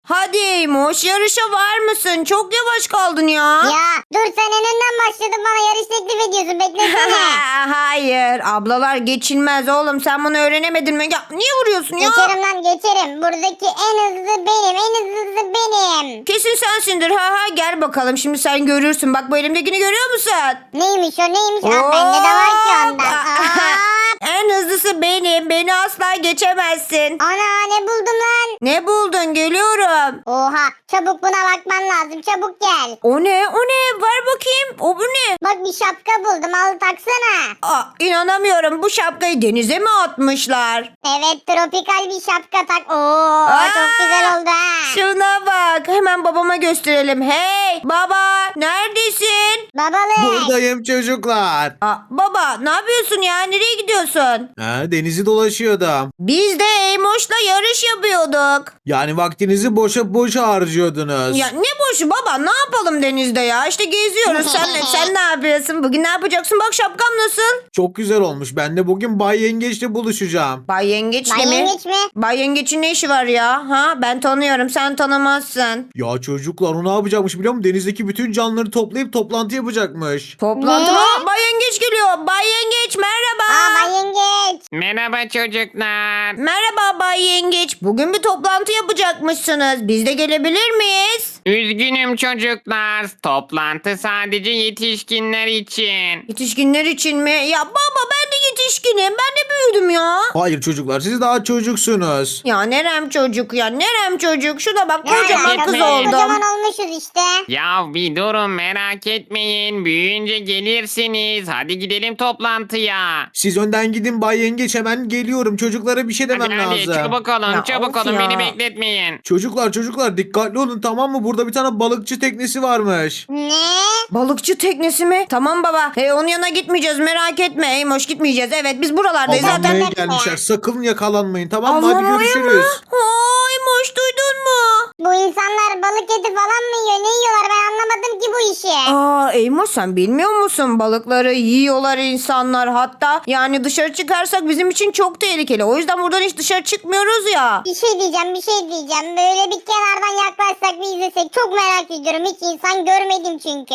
Hadi Eymoş, yarışa var mısın? Çok yavaş kaldın ya. Ya dur, sen en önden başladın, bana yarış teklif ediyorsun, beklesene. Hayır, ablalar geçilmez oğlum. Sen bunu öğrenemedin mi? Ya, niye vuruyorsun ya? Geçerim lan, geçerim. Buradaki en hızlı benim, en hızlısı benim. Kesin sensindir. Ha gel bakalım. Şimdi sen görürsün. Bak bu elimdekini görüyor musun? Neymiş o, neymiş? Aa, bende de var ki ondan. Aa. En hızlısı benim. Beni asla geçemezsin. Ana, ne buldum lan? Ne buldun? Geliyorum. Oha, çabuk buna bakman lazım, çabuk gel. O ne? O ne? Ver bakayım. O bu ne? Bak, bir şapka buldum, al taksana. İnanamıyorum. Bu şapkayı denize mi atmışlar? Evet, tropikal bir şapka tak. Oo, çok güzel oldu ha. Şuna bak. Hemen babama gösterelim. Hey baba, neredesin? Babalık. Buradayım çocuklar. Baba ne yapıyorsun ya? Nereye gidiyorsun? Denizi dolaşıyordum. Biz de Eymoş'la yarış yapıyorduk. Yani vaktinizi boşa harcıyordunuz. Ya ne boşu baba, ne yapalım denizde ya? İşte geziyoruz. Sen ne yapıyorsun? Bugün ne yapacaksın? Bak şapkam nasıl? Çok güzel olmuş. Ben de bugün Bay Yengeç'le buluşacağım. Bay Yengeç'le Bay mi? Yengeç mi? Bay Yengeç'in ne işi var ya? Ha, ben tanıyorum, sen tanımazsın. Ya çocuklar, o ne yapacakmış biliyor musun? Denizdeki bütün canlıları toplayıp toplantı yapacakmış. Toplantı Ne? mı? Bay Yengeç geliyor. Bay Yengeç merhaba. Aa, Bay Yengeç. Merhaba çocuklar. Merhaba Bay Yengeç. Bugün bir toplantı yapacakmışsınız. Biz de gelebilir miyiz? Üzgünüm çocuklar. Toplantı sadece yetişkinler için. Yetişkinler için mi? Ya baba ben de yetişkinim. Ben de büyüdüm ya. Hayır çocuklar, siz daha çocuksunuz. Ya nerem çocuk ya, nerem çocuk. Şuna bak, Ne kocaman alakası kız var? oldum. Kocaman olmuşuz işte. Ya bir durun, merak etmeyin. Büyüyünce gelirsiniz. Hadi gidelim toplantıya. Siz önden gidin Bay Yengeç, hemen geliyorum. Çocuklara bir şey demem Hadi lazım. çabuk olun, Ya çabuk of olun, ya. beni bekletmeyin. Çocuklar dikkatli olun, tamam mı? Burada bir tane balıkçı teknesi varmış. Ne? Balıkçı teknesi mi? Tamam baba. Onun yanına gitmeyeceğiz, merak etme. Eymoş, gitmeyeceğiz. Evet biz buralardayız zaten. Avlanmaya gelmişler. Sakın yakalanmayın, tamam mı? Hadi Avlamaya görüşürüz. mı? Eymoş, duydun mu? Bu insanlar balık eti falan mı yiyor? Ne yiyorlar? Ben anlamadım ki bu işi. Eymoş, sen bilmiyor musun? Balıkları yiyorlar insanlar. Hatta yani dışarı çıkarsak bizim için çok tehlikeli. O yüzden buradan hiç dışarı çıkmıyoruz ya. Bir şey diyeceğim. Böyle bir kenardan yaklaşsak, bir izlesek. Çok merak ediyorum. Hiç insan görmedim çünkü.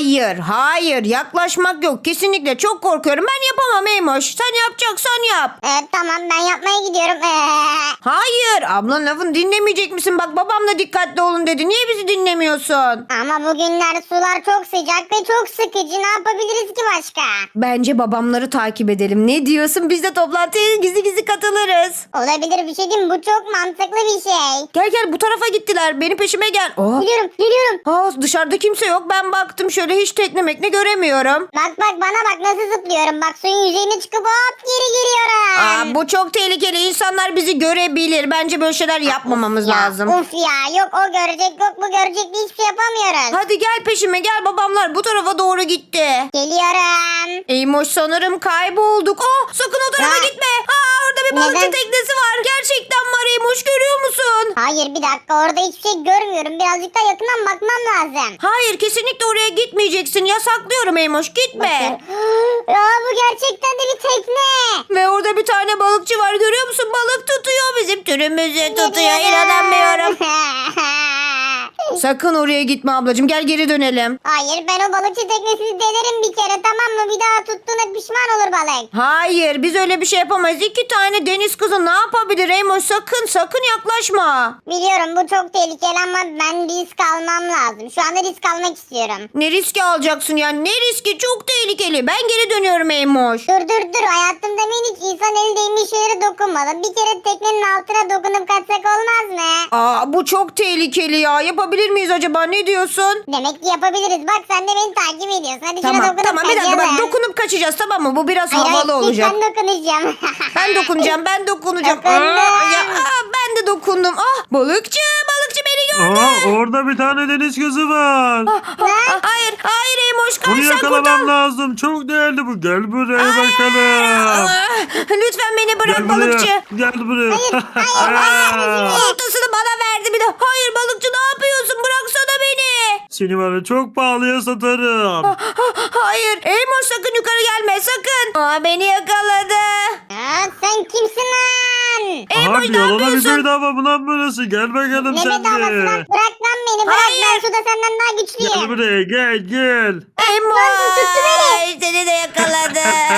Hayır. Yaklaşmak yok. Kesinlikle çok korkuyorum. Ben yapamam Eymoş. Sen yapacaksan yap. Tamam, ben yapmaya gidiyorum. Hayır. Ablanın lafını dinlemeyecek misin? Bak babam da dikkatli olun dedi. Niye bizi dinlemiyorsun? Ama bugünler sular çok sıcak ve çok sıkıcı. Ne yapabiliriz ki başka? Bence babamları takip edelim. Ne diyorsun? Biz de toplantıya gizli gizli katılırız. Olabilir, bir şey diyeyim mi? Bu çok mantıklı bir şey. Gel bu tarafa gittiler. Benim peşime gel. Geliyorum. Dışarıda kimse yok. Ben baktım şöyle, hiç tekne mekne göremiyorum. Bak bana bak, nasıl zıplıyorum. Bak, suyun yüzeyine çıkıp hop geri giriyorum. Bu çok tehlikeli. İnsanlar bizi görebilir. Bence böyle şeyler yapmamamız lazım. Of ya, yok o görecek, yok bu görecek, hiçbir şey yapamıyoruz. Hadi gel peşime gel, babamlar bu tarafa doğru gitti. Geliyorum. Eymoş, sanırım kaybolduk. Sakın o tarafa Ha? gitme. Orada bir balıkçı Neden? teknesi var. Gerçekten var Eymoş, görüyor musun? Hayır, bir dakika, orada hiçbir şey görmüyorum. Birazcık daha yakından bakmam lazım. Hayır, kesinlikle oraya gitmeyeceksin. Yasaklıyorum Eymoş, gitme. Ya, bu gerçekten de bir tekne. Ve orada bir tane balıkçı var, görüyor musun? Balık tutuyor, bizim türümüzü tutuyor. Geliyorum. İnanamıyorum. Sakın oraya gitme ablacığım, gel geri dönelim. Hayır, ben o balıkçı teknesini denerim bir kere, tamam mı? Bir daha tuttuğuna pişman olur balık. Hayır, biz öyle bir şey yapamayız. 2 tane deniz kızı ne yapabilir Eymoş? Sakın yaklaşma. Biliyorum, bu çok tehlikeli ama ben risk almam lazım. Şu anda risk almak istiyorum. Ne riski alacaksın ya? Ne riski? Çok tehlikeli. Ben geri dönüyorum Eymoş. Dur. Hayatımda ben hiç insan eli değmiş şeylere dokunmadım. Bir kere teknenin altına dokunup kaçsak olmaz mı? Bu çok tehlikeli ya. Yapabilir miyiz acaba? Ne diyorsun? Demek ki yapabiliriz. Bak, sen de beni takip ediyorsun. Hadi şuna dokunup Tamam, bir dakika, bak, kaçalım. dokunup kaçacağız, tamam mı? Bu biraz Hayır, havalı ilk olacak. ben dokunacağım. Ben dokunacağım. Dokundum. Ben de dokundum. Balıkçı beni gördü. Orada bir tane deniz kızı var. Hayır Eymoş, kaç, Bunu sen yakalamam kurtar. lazım. Çok değerli bu. Gel buraya bakalım. Lütfen beni bırak Gel balıkçı. buraya. Gel buraya. Oltasını bana verdi bir de. Hayır balıkçı, ne yapıyorsun? Bıraksana beni. Seni var ya çok pahalıya satarım. Hayır Eymoş, sakın yukarı gelme, sakın. Beni yakaladı. Sen kimsin lan? Abi yalana bir bedava mı lan burası? Gel bakalım Ne sen bedavası lan? de. Bırak lan beni bırak. Hayır. Ben suda senden daha Gel güçlüyüm. buraya gel. Emoş seni de yakaladı.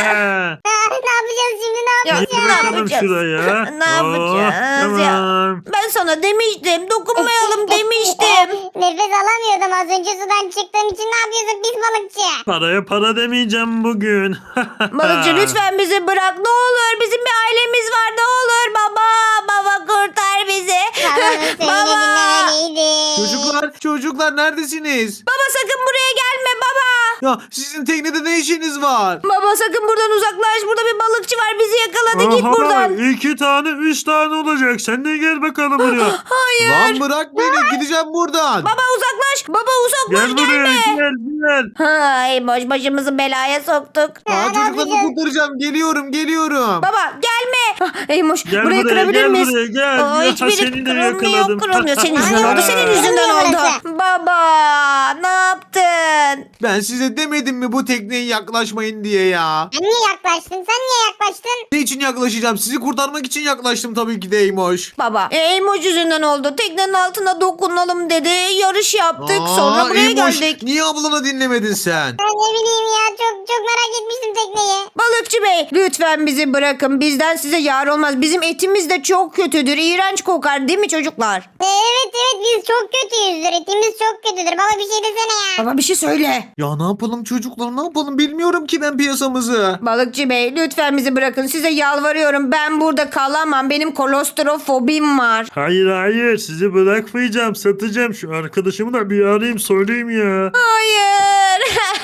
Ne yapacağız şimdi ne Ya, yapacağız? ne Bakalım yapacağız? şuraya. Ne yapacağız ya? Tamam. Ben sana demiştim dokunmayalım demiştim. Nefes alamıyordum az önce sudan çıktığım için ne yapıyorsun biz balıkçı? Paraya para demeyeceğim bugün. Balıkçı lütfen bizi bırak ne olur bizim bir ailemiz var ne olur baba kurtar bizi. Babamın söyledikleri Çocuklar neredesiniz? Baba sakın buraya gelme baba. Ya sizin teknede ne işiniz var? Baba sakın buradan uzaklaş burada bir balıkçı var bizi yakaladı git Aha, buradan. 2 tane 3 tane olacak. Sen de gel bakalım buraya. Hayır. Lan bırak beni gideceğim buradan. Baba uzaklaş. Baba uzaklaş Gel buraya gelme. gel. Ay boş başımızı belaya soktuk. Aa, ne çocuklarımı yapacağız? kurtaracağım. Geliyorum. Baba gelme. Eymoş Gel burayı buraya, kırabilir gel miyiz? buraya, gel. Aa, Ya, hiçbiri seni de kırılmıyor yakaladım. kırılmıyor. Senin yüzünden Ay, oldu senin yüzünden kırılmıyor oldu. Baba ne yaptın? Ben size demedim mi bu tekneye yaklaşmayın diye ya. Sen niye yaklaştın? Sen niye yaklaştın? Ne için yaklaşacağım? Sizi kurtarmak için yaklaştım tabii ki de Eymoş. Baba Eymoş yüzünden oldu. Teknenin altına dokunalım dedi. Yarış yaptık. Sonra buraya Eymoş, geldik. niye ablana dinlemedin sen? Ben ne bileyim ya çok merak etmiştim tekneyi. Balıkçı bey lütfen bizi bırakın. Bizden size yar olmaz. Bizim etimiz de çok kötüdür. İğrenç kokar değil mi çocuklar? Evet biz çok kötüyüzdür. Etimiz çok kötüdür. Baba bir şey desene ya. Baba bir şey söyle. Ya ne yapalım çocuklar ne yapalım bilmiyorum ki ben piyasamızı. Balıkçı bey lütfen bizi bırakın. Size yalvarıyorum. Ben burada kalamam. Benim kolostrofobim var. Hayır sizi bırakmayacağım, satacağım. Şu arkadaşımı da bir arayayım söyleyeyim ya. Hayır.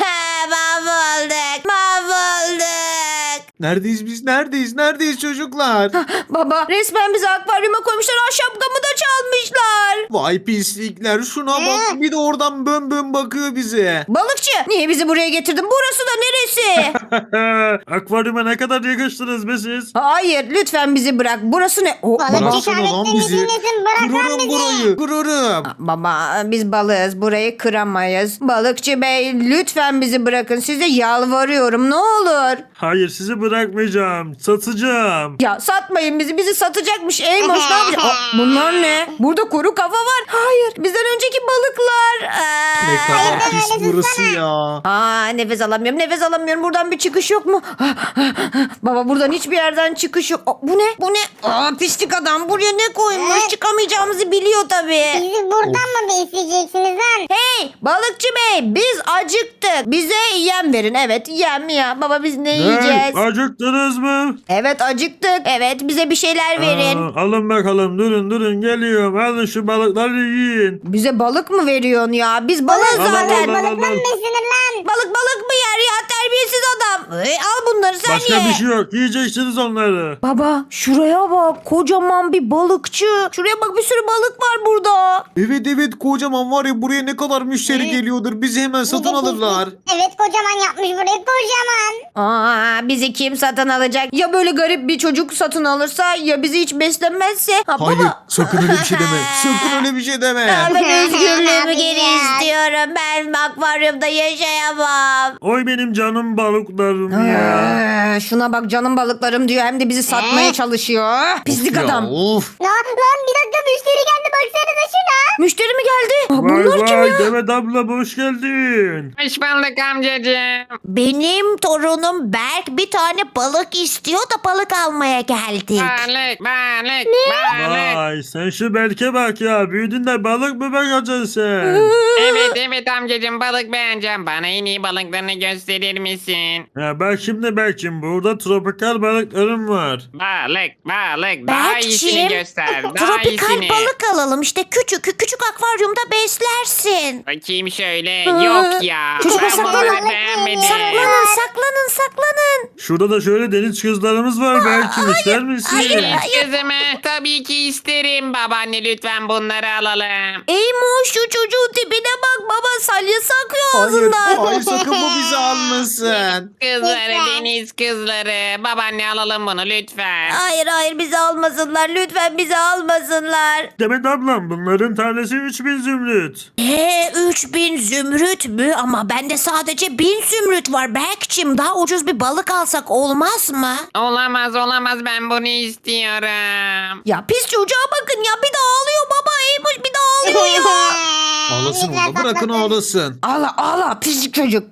Mahvolduk. Neredeyiz biz neredeyiz çocuklar? Baba resmen bizi akvaryuma koymuşlar. Ah, şapkamı da çalmışlar. Vay pislikler şuna bak bir de oradan bön bakıyor bize. Balıkçı niye bizi buraya getirdin? Burası da neresi? Akvaryuma ne kadar yakıştınız be siz? Hayır lütfen bizi bırak. Burası ne? Balıkçı Bıraksana lan şahmetlerin bizi. içindesin. Bırak lan Kırarım bizi. burayı kırarım. Baba biz balığız. Burayı kıramayız. Balıkçı bey lütfen bizi bırakın. Size yalvarıyorum ne olur. Hayır sizi bırakmayacağım, satacağım. Ya satmayın bizi. Bizi satacakmış. Eymoş ne yapacak? Aa, bunlar ne? Burada kuru kafa var. Hayır. Bizden önceki balıklar. Ne kadar pis burası ya. Nefes alamıyorum. Nefes alamıyorum. Buradan bir çıkış yok mu? Baba buradan hiçbir yerden çıkış yok. Bu ne? Bu ne? Pislik adam. Buraya ne koymuş? Çıkamayacağımızı biliyor tabii. Bizi buradan mı besleyeceksiniz lan? Hey balıkçı bey biz acıktık. Bize yem verin. Evet yem ya. Baba biz ne yiyeceğiz? Acıktınız mı? Evet acıktık. Evet bize bir şeyler verin. Alın bakalım durun geliyorum. Alın şu balıkları yiyin. Bize balık mı veriyorsun ya? Biz balığız Al, al, zaten. al, al. Balıktan beslenir lan. Balık mı yer ya? Terbiyesiz adam. Al bunları sen Başka ye. bir şey yok. Yiyeceksiniz onları. Baba şuraya bak. Kocaman bir balıkçı. Şuraya bak bir sürü balık var burada. Evet kocaman var ya buraya ne kadar müşteri geliyordur bizi hemen satın alırlar. Evet kocaman yapmış burayı kocaman. Bizi kim satın alacak? Ya böyle garip bir çocuk satın alırsa ya bizi hiç beslemezse. Hayır sakın öyle bir şey deme. Sakın öyle bir şey deme. Ben özgürlüğümü geri Yapacağız. istiyorum. Ben akvaryumda yaşayamam. Oy benim canım balıklarım ya. Şuna bak canım balıklarım diyor hem de bizi satmaya çalışıyor. Pislik Ya, adam. of. Lan bir dakika müşteri geldi baksanıza şuna. Müşteri mi geldi? Vay Bunlar kim ya? Demet abla hoş geldin. Hoş bulduk amcacığım. Benim torunum Berk bir tane balık istiyor da balık almaya geldik. Balık. Vay sen şu Berke bak ya. Büyüdün de balık mı bakacaksın sen? Evet amcacığım balık beğeneceğim. Bana en iyi balıklarını gösterir misin? Ya bak şimdi Berk'cim burada tropikal balıklarım var. Balık. Daha iyisini göster. Daha tropikal iyisini. balık alalım işte küçük akvaryumda beslersin. Bakayım şöyle. Yok ya. Çocuklar Ben saklanın. balık beğenmedim. Saklanın. Şurada da şöyle deniz kızlarımız var Berk'cim ister misin? Hiç kızımı tabii ki isterim. Babaanne lütfen bunları alalım. Eymoş şu çocuğun tipine bak baba salyası akıyor Hayır, ağzından. hayır sakın bu bizi almasın. Kızları, Lütfen. deniz kızları. Babaanne alalım bunu lütfen. Hayır bizi almasınlar lütfen bizi almasınlar. Demet ablam bunların tanesi 3000 zümrüt. zümrüt. 3000 zümrüt mü? Ama bende sadece 1000 zümrüt var. Berk'cim daha ucuz bir balık alsak olmaz mı? Olamaz olamaz, ben bunu istiyorum. Ya pis çocuğa bakın ya, bir daha ağlıyor baba. Eymuş bir daha ağlıyor ya. Ağlasın Güzel orada, bırakın patladın. ağlasın. Ağla ağla pislik çocuk.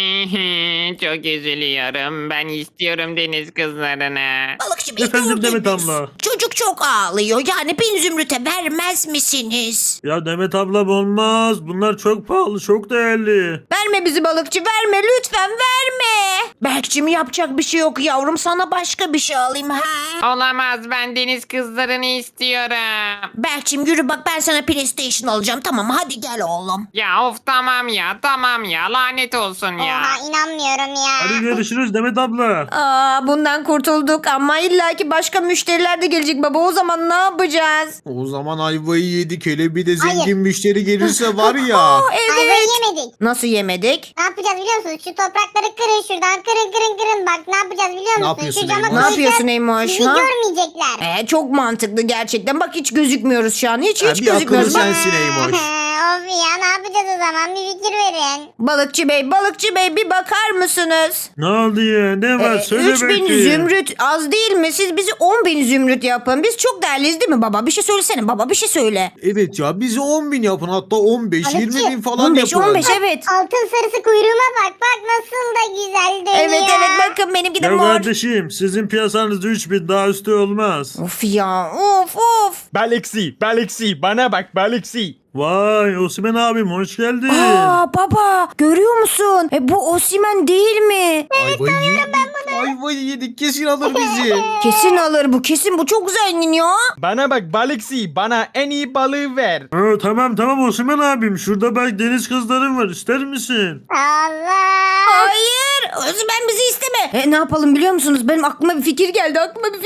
Çok üzülüyorum. Ben istiyorum deniz kızlarını. Balıkçı Bey Efendim gördünüz. Demet abla. Çocuk çok ağlıyor. Yani 1000 zümrüte vermez misiniz? Ya Demet ablam olmaz. Bunlar çok pahalı, çok değerli. Verme bizi balıkçı, verme lütfen verme. Berk'cim yapacak bir şey yok yavrum, sana başka bir şey alayım ha. Olamaz, ben deniz kızlarını istiyorum. Berk'cim yürü bak, ben sana PlayStation alacağım, tamam hadi gel oğlum. Ya of, tamam ya lanet olsun ya. Oha inanmıyorum ya. Hadi görüşürüz Demet abla. Aa, bundan kurtulduk ama illaki başka müşteriler de gelecek baba, o zaman ne yapacağız? O zaman ayvayı yedik. Hele bir de zengin Hayır. müşteri gelirse var ya. Aa, Ayvayı evet. yemedik. Nasıl yemedik? Ne yapacağız biliyor musunuz? Şu toprakları kırın şuradan, kırın. Bak ne yapacağız biliyor musun? yapıyorsun Şu cama Eymoş? Ne koyacağız, yapıyorsun Eymoş, bizi ha? görmeyecekler. Çok mantıklı gerçekten. Bak hiç gözükmüyoruz şu an. Hiç bir akıllı gözükmüyoruz. Bak. sensin Eymoş. Of ya, ne yapacağız o zaman? Bir fikir verin. Balıkçı bey bir bakar mısınız? Ne oldu ya? Ne var? Söyle 3000 belki. zümrüt az değil mi? Siz bizi 10.000 zümrüt yapın. Biz çok değerliyiz değil mi baba? Bir şey söylesene baba, bir şey söyle. Evet ya, bizi 10.000 yapın, hatta 15, Balıkçı, 20.000 falan 15 yapın. 15 evet. Altın sarısı kuyruğuma bak. Bak nasıl da güzel dönüyor. Evet bakın benimki de Ya mor. kardeşim sizin piyasanız 3000, daha üstü olmaz. Of ya of. Baliksi bana bak Baliksi. Vay Osman abim hoş geldin. Aa baba görüyor musun? Bu Osimhen değil mi? Ayvayı yedik. Ayvayı yedik. Kesin alır bizi. Kesin alır bu, kesin bu çok zengin ya. Bana bak Baliksi, bana en iyi balığı ver. Tamam Osman abim, şurada bak deniz kızlarım var, ister misin? Allah. Hayır Osimhen bizi isteme. Ne yapalım biliyor musunuz? Benim aklıma bir fikir geldi.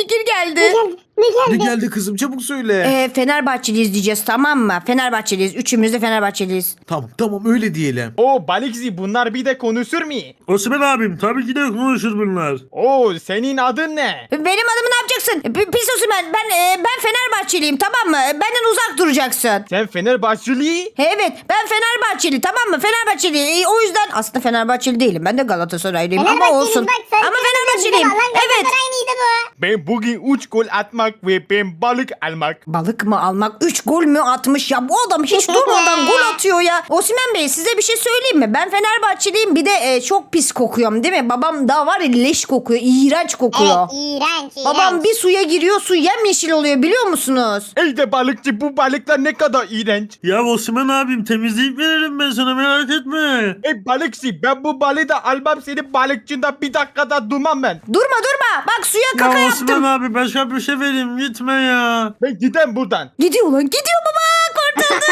Ne geldi kızım, çabuk söyle. Fenerbahçeliyiz diyeceğiz, tamam mı? Fenerbahçeliyiz. Üçümüz de Fenerbahçeliyiz. Tamam öyle diyelim. O Baliksi, bunlar bir de konuşur mu? Osman abim tabii ki de konuşur bunlar. O senin adın ne? Benim adımı ne yapacaksın? Pis Osimhen. Ben Fenerbahçeliyim, tamam mı? Benden uzak duracaksın. Sen Fenerbahçeli? Evet ben Fenerbahçeli, tamam mı? Fenerbahçeli. O yüzden aslında Fenerbahçeli değilim. Ben de Galatasaraylıyım ama Fenerbahçeli, olsun. bak sen Ama Fenerbahçeli. Fenerbahçeliyim. Lan Evet. Galatasaraylıydı bu. Ben bugün 3 gol atmak ve ben balık almak. Balık mı almak? 3 gol mü atmış ya? Bu adam hiç durmadan gol atıyor ya. Osimhen Bey size bir şey söyleyeyim mi? Ben Fenerbahçeliyim, bir de çok pis kokuyorum değil mi? Babam daha var ya, leş kokuyor. İğrenç kokuyor. Evet iğrenç. Babam bir suya giriyor, su yemyeşil oluyor biliyor musunuz? Ey de balıkçı, bu balıklar ne kadar iğrenç. Ya Osman abim temizleyip veririm ben sana, merak etme. Ey balıkçı, ben bu balığı da almam, senin balıkçında bir dakikada durmam ben. Durma. Bak suya kaka Ya yaptım. Osman abi başka bir şey vereyim, gitme ya. Ben gidem buradan. Gidiyor lan, gidiyor baba. Kurtuldu.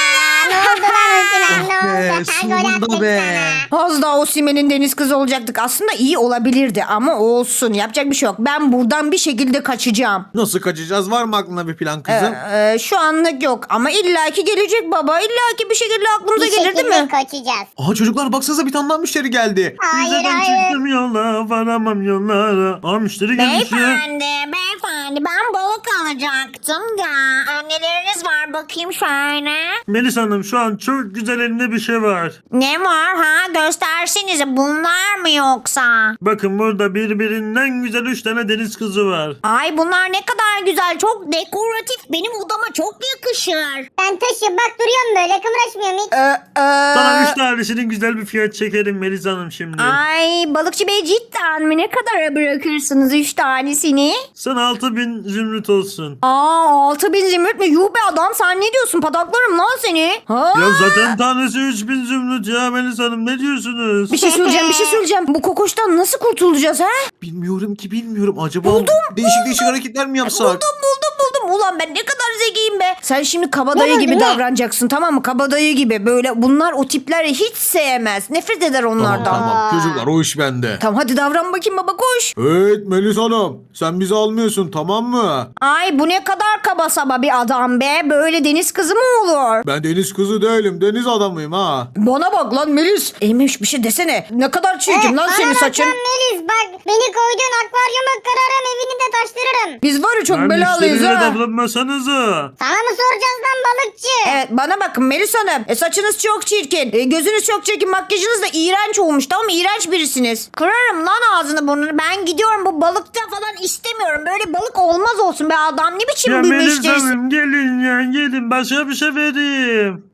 Ne oldu lan Osman, ne Be, oldu? Ha, gol sonunda attık be. sana. Az daha Osimhen'in deniz kızı olacaktık. Aslında iyi olabilirdi ama olsun. Yapacak bir şey yok. Ben buradan bir şekilde kaçacağım. Nasıl kaçacağız? Var mı aklına bir plan kızım? Şu anlık yok ama illaki gelecek baba. İllaki bir şekilde aklımıza Bir gelir değil şekilde mi? kaçacağız. Aha çocuklar, baksanıza bir tane daha müşteri geldi. Hayır Ben hayır. çıktım yola, varamam yollara. Aa müşteri gelmiş ya. Beyefendi ben balık alacaktım da. Neleriniz var bakayım şöyle. Melis Hanım şu an çok güzel elinde bir şey var. Ne var ha? Göstersenize, bunlar mı yoksa? Bakın burada birbirinden güzel 3 tane deniz kızı var. Ay bunlar ne kadar güzel. Çok dekoratif. Benim odama çok yakışır. Ben taşım bak duruyorum böyle kımraşmıyorum hiç. Sana 3 tanesinin güzel bir fiyat çekerim Melis Hanım şimdi. Ay balıkçı bey cidden mi? Ne kadara bırakırsınız 3 tanesini? Sana 6000 zümrüt olsun. 6000 zümrüt mü? Yuh be adam, sen ne diyorsun? Pataklarım lan seni. Ha? Ya zaten tanesi 3000 zümrüt ya Melis Hanım, ne diyorsunuz? Bir şey söyleyeceğim. Bu kokoştan nasıl kurtulacağız ha? Bilmiyorum. Acaba değişik hareketler mi yapsak? Buldum. Ulan ben ne kadar zekiyim be. Sen şimdi kabadayı gibi davranacaksın, tamam mı? Kabadayı gibi. Böyle bunlar o tipleri hiç sevmez. Nefret eder onlardan. Tamam çocuklar, o iş bende. Tamam hadi davran bakayım baba, koş. Evet Melis Hanım, sen bizi almıyorsun, tamam mı? Ay bu ne kadar kaba saba bir adam be. Böyle deniz kızı mı olur? Ben deniz kızı değilim, deniz adamıyım ha. Bana bak lan Melis. Eymiş bir şey desene. Ne kadar çirkin lan senin Bana bak saçın. lan Melis bak beni koyduğun akvaryuma kırarım evini de taştırırım. Biz var ya çok Ben belalıyız müşteriyle ha. alınmasanıza. Sana mı soracağız lan balıkçı? Evet bana bakın Melis Hanım. Saçınız çok çirkin. Gözünüz çok çirkin. Makyajınız da iğrenç olmuş. Tamam mı? İğrenç birisiniz. Kırarım lan ağzını burnunu. Ben gidiyorum bu balıkta falan istemiyorum. Böyle balık olmaz olsun be adam. Ne biçim Ya bir Melis müşterisin? Hanım gelin ya gelin başka bir şey vereyim.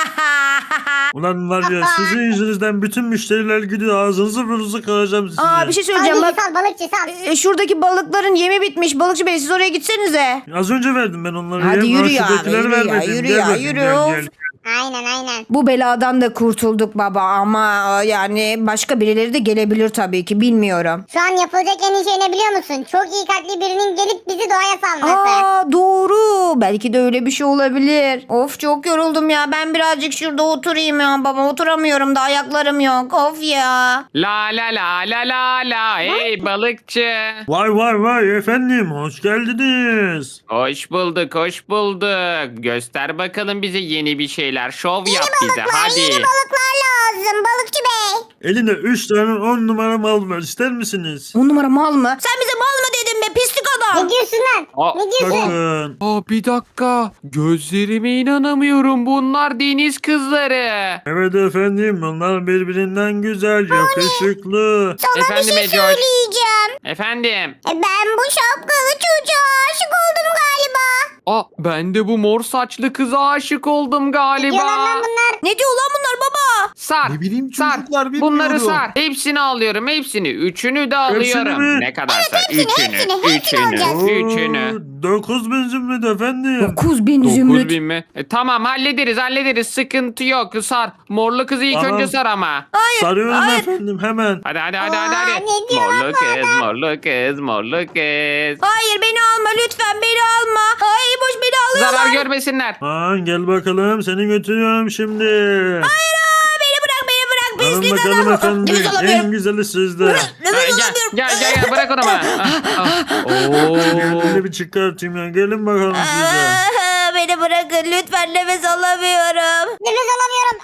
Ulan var ya sizin yüzünüzden bütün müşteriler gidiyor ağzınızı burnunuzu kıracağım size. Aa bir şey söyleyeceğim Hadi bak. sal balıkçı sal. Şuradaki balıkların yemi bitmiş. Balıkçı bey siz oraya gitsenize. Az önce verdim ben onları. Hadi ya. yürü ya, Şuradakileri yürü ya, vermedim. yürü Gel ya, bakayım, yürü. gel. Aynen. Bu beladan da kurtulduk baba ama yani başka birileri de gelebilir tabii ki bilmiyorum. Şu an yapılacak en iyi şey ne biliyor musun? Çok iyi kalpli birinin gelip bizi doğaya salması. Aa doğru. Belki de öyle bir şey olabilir. Of çok yoruldum ya. Ben birazcık şurada oturayım ya baba. Oturamıyorum da ayaklarım yok. Of ya. La la la la la la. Hey balıkçı. Vay efendim hoş geldiniz. Hoş bulduk, hoş bulduk. Göster bakalım bize yeni bir şeyler. Şov yap bize hadi. Yeni balıklar lazım balıkçı bey. Eline 3 tane 10 numara mal var ister misiniz? 10 numara mal mı? Sen bize mal mı dedin be pislik adam? Ne diyorsun lan? Aa, Ne diyorsun? Bakın. Aa, bir dakika. Gözlerime inanamıyorum. Bunlar deniz kızları. Evet efendim onlar birbirinden güzel yakışıklı. Sana Efendim bir şey Ecoş. söyleyeceğim. Efendim. Ben bu şapkalı çocuğa aşık oldum galiba. Aa, ben de bu mor saçlı kıza aşık oldum galiba. Yalan lan bunlar. Ne diyor lan bunlar baba? Sar. Ne bileyim sar. çocuklar, bilmiyorum. Bunları sar. Hepsini alıyorum. Hepsini. Üçünü de alıyorum. mi? Ne kadarsa. hepsini alacağız. Üçünü. 9.000 zümrüt efendim. 9000 9 zümrüt. bin mi? Tamam hallederiz. Sıkıntı yok. Sar. Morlu kızı ilk Tamam. önce sar ama. Hayır. Sarıyorum hayır. efendim hemen. Hadi. Aa, ne diyor lan Morlu bu kız, adam? morlu kız. Hayır beni alma lütfen beni alma. Hayır boş beni alıyorlar. Zarar görmesinler. Gel bakalım seni götürüyorum şimdi. Beni bırak Alın pislik bakalım adam. efendim. Nefes En alamıyorum. güzeli sizde. Nefes Gel, alamıyorum. gel bırak onu bana. Şöyle bir çıkartayım ya. Gelin bakalım size. Beni bırakın lütfen nefes alamıyorum. Nefes alamıyorum.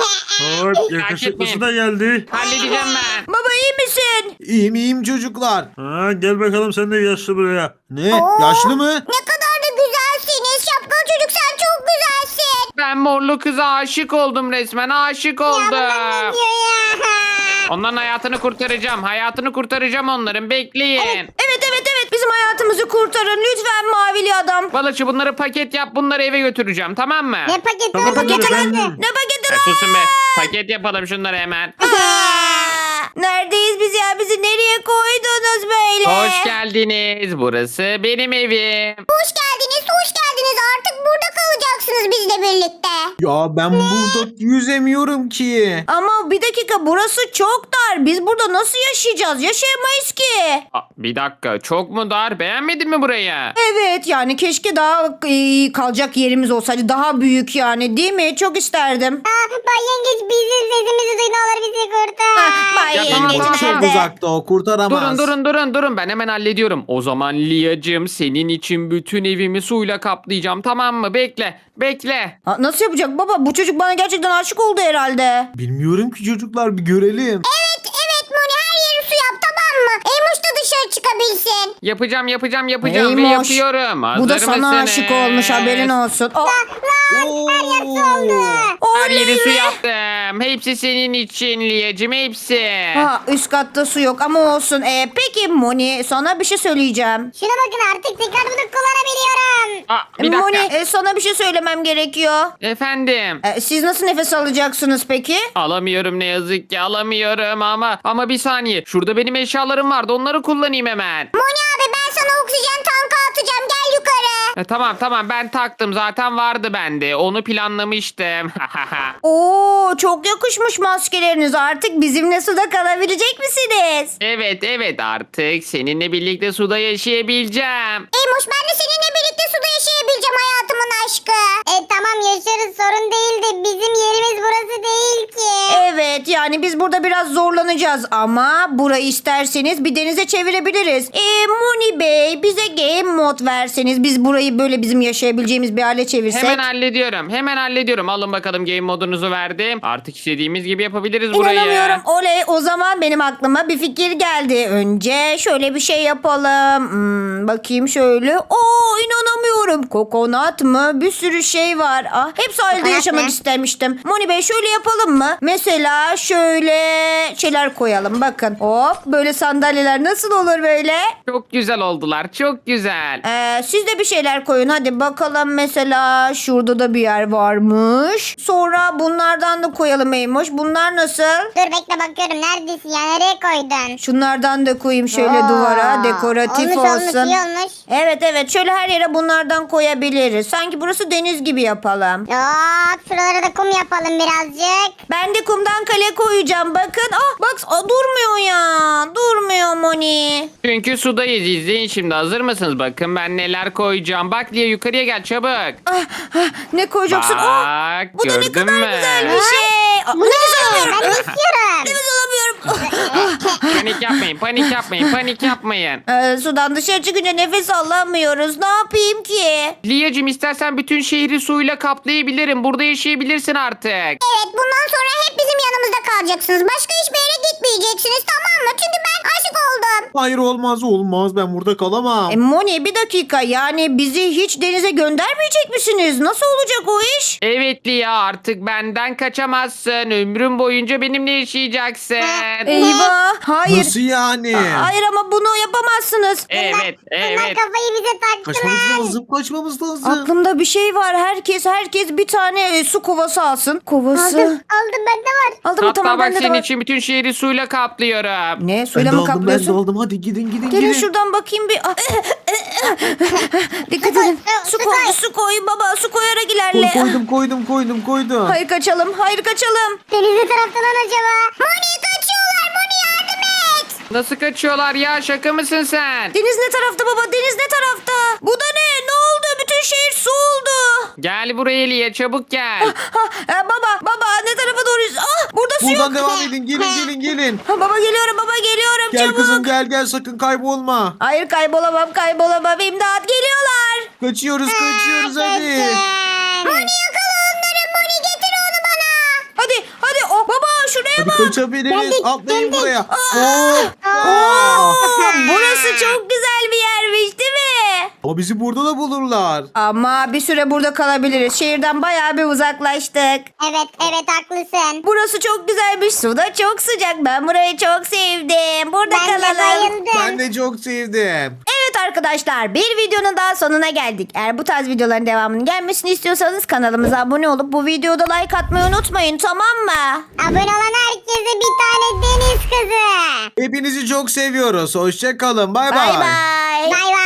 Hop yakışıklısı da geldi. Halledeceğim ben. Baba iyi misin? İyiyim çocuklar. Gel bakalım sen de yaşlı buraya. Ne? Yaşlı mı? Ne kadar da güzelsiniz. Şapkalı çocuk sen çok güzelsin. Ben morlu kıza aşık oldum resmen. Aşık oldum. Ne diyor ya? Onların hayatını kurtaracağım onların. Bekleyin. Evet bizim hayatımızı kurtarın lütfen mavili adam. Balıkçı bunları paket yap. Bunları eve götüreceğim tamam mı? Ne paketi Tamam, paketi efendim. nerede? Ne paketi Ya lan? susun be. Paket yapalım şunları hemen. Neredeyiz biz ya? Bizi nereye koydunuz böyle? Hoş geldiniz. Burası benim evim. Hoş geldiniz. Artık burada kalacaksınız bizle birlikte. Ya ben burada yüzemiyorum ki. Ama bir dakika burası çok dar. Biz burada nasıl yaşayacağız? Yaşayamayız ki. Aa, bir dakika çok mu dar? Beğenmedin mi burayı? Evet yani keşke daha kalacak yerimiz olsaydı. Daha büyük yani değil mi? Çok isterdim. Bay Yengeç bizim sesimizi duy ne olur bizi kurtar. Bay Ya tamam, Yengeç tamam, Çok nerede? uzakta o kurtaramaz. Durun ben hemen hallediyorum. O zaman Liyacığım senin için bütün evimi suyla kaplayacağım tamam mı? Bekle. Nasıl yapacak baba? Bu çocuk bana gerçekten aşık oldu herhalde. Bilmiyorum ki çocuklar, bir görelim. Evet Moni her yeri su yap tamam mı? Eymuş da dışarı çıkabilsin. Yapacağım ve Eymoş, yapıyorum. Hazır Bu da sana mısınız? aşık olmuş haberin olsun. Her yeri su yaptım. Hepsi senin için Liyacığım hepsi. Üst katta su yok ama olsun. Peki Moni sana bir şey söyleyeceğim. Şuna bakın artık tekrar bunu kullanabiliyorum. Aa, bir dakika. Moni sana bir şey söylemem gerekiyor. Efendim. Siz nasıl nefes alacaksınız peki? Alamıyorum ne yazık ki alamıyorum ama bir saniye. Şurada benim eşyalarım vardı onları kullanayım hemen. Moni abi ben sana oksijen tankı atacağım gel yukarı. Tamam ben taktım zaten vardı bende. Onu planlamıştım. Oo çok yakışmış maskeleriniz. Artık bizimle suda kalabilecek misiniz? Evet artık seninle birlikte suda yaşayabileceğim. Eymuş ben de seninle birlikte suda yaşayabileceğim hayatımın aşkı. Tamam yaşarız sorun değil de bizim yerimiz burası değil ki. Evet Evet yani biz burada biraz zorlanacağız ama burayı isterseniz bir denize çevirebiliriz. Moni Bey bize game mod verseniz biz burayı böyle bizim yaşayabileceğimiz bir hale çevirsek. Hemen hallediyorum. Hemen hallediyorum. Alın bakalım game modunuzu verdim. Artık istediğimiz gibi yapabiliriz burayı. İnanamıyorum. Oley, o zaman benim aklıma bir fikir geldi. Önce şöyle bir şey yapalım. Bakayım şöyle. İnanamıyorum. Kokonat mı? Bir sürü şey var. Hep sahilde Kokonat yaşamak mı? istemiştim. Moni Bey şöyle yapalım mı? Mesela şöyle şeyler koyalım. Bakın. Hop, böyle sandalyeler nasıl olur böyle? Çok güzel oldular. Çok güzel. Siz de bir şeyler koyun. Hadi bakalım, mesela şurada da bir yer varmış. Sonra bunlardan da koyalım Eymoş. Bunlar nasıl? Dur bekle bakıyorum. Neredesin ya? Nereye koydun? Şunlardan da koyayım şöyle Oo, duvara. Dekoratif olmuş, olsun. Olmuş, iyi olmuş. Evet şöyle her yere bunlardan koyabiliriz. Sanki burası deniz gibi yapalım. Hop şuralara da kum yapalım birazcık. Ben de kumdan kale koyacağım. Bakın. Bak durmuyor ya. Durmuyor Moni. Çünkü sudayız. İzleyin şimdi. Hazır mısınız? Bakın ben neler koyacağım. Bak Lia, yukarıya gel çabuk. Ne koyacaksın? Bak, Bu da ne gördün kadar mü? güzel bir şey. Bu ne? Ben de istiyorum. Nefes alamıyorum. Panik yapmayın. Panik yapmayın. Panik yapmayın. Sudan dışarı çıkınca nefes alamıyoruz. Ne yapayım ki? Lia'cığım istersen bütün şehri suyla kaplayabilirim. Burada yaşayabilirsin artık. Evet bundan sonra hep bizim yanımızda kalacaksınız. Başka hiçbir yere gitmeyeceksiniz, tamam mı? Çünkü ben aşık oldum. Hayır, olmaz, ben burada kalamam. Moni bir dakika, yani bizi hiç denize göndermeyecek misiniz? Nasıl olacak o iş? Evet Lia, artık benden kaçamazsın. Ömrüm boyunca benimle yaşayacaksın. Eyvah. Hayır. Nasıl yani? Hayır ama bunu yapamazsınız. Evet, Bunlar evet. kafayı bize taktılar. Kaçmamız lazım. Aklımda bir şey var. Herkes bir tane su kovası alsın. Kovası. Aldım bende var. Aldım mı? Hatta Tamam, bak bende de senin var. için bütün şehri suyla kaplıyorum. Ne? Ben Suyla de mı aldım, kaplıyorsun? Hadi gidin. Gelin şuradan bakayım bir. Dikkat edin. Su koy, su koy baba. Su koyarak ilerle. Koydum. Hayır kaçalım. Deniz ne tarafta lan acaba? Moni kaçıyorlar. Moni yardım et. Nasıl kaçıyorlar ya? Şaka mısın sen? Deniz ne tarafta baba? Deniz ne tarafta? Bu da ne? Ne oldu? Bütün şehir su oldu. Gel buraya Lia, çabuk gel. Baba ne tarafa doğru? Burada su yok. Buradan devam edin. Gelin. Baba geliyorum Gel çabuk. kızım, gel sakın kaybolma. Hayır kaybolamam. İmdat geliyorlar. Kaçıyoruz hadi. Moni yakala onları. Moni getir onu bana. Hadi baba şuraya Hadi bak. kaçabiliriz. Atlayın buraya. Burası çok güzel bir yermiş değil mi? Ama bizi burada da bulurlar. Ama bir süre burada kalabiliriz. Şehirden bayağı bir uzaklaştık. Evet haklısın. Burası çok güzelmiş. Su da çok sıcak. Ben burayı çok sevdim. Burada Ben de kalalım. bayıldım. Ben de çok sevdim. Evet arkadaşlar, bir videonun daha sonuna geldik. Eğer bu tarz videoların devamının gelmesini istiyorsanız kanalımıza abone olup bu videoda like atmayı unutmayın, tamam mı? Abone olan herkese bir tane deniz kızı. Hepinizi çok seviyoruz. Hoşça kalın. Bay Bay bay. bay. Bay bay.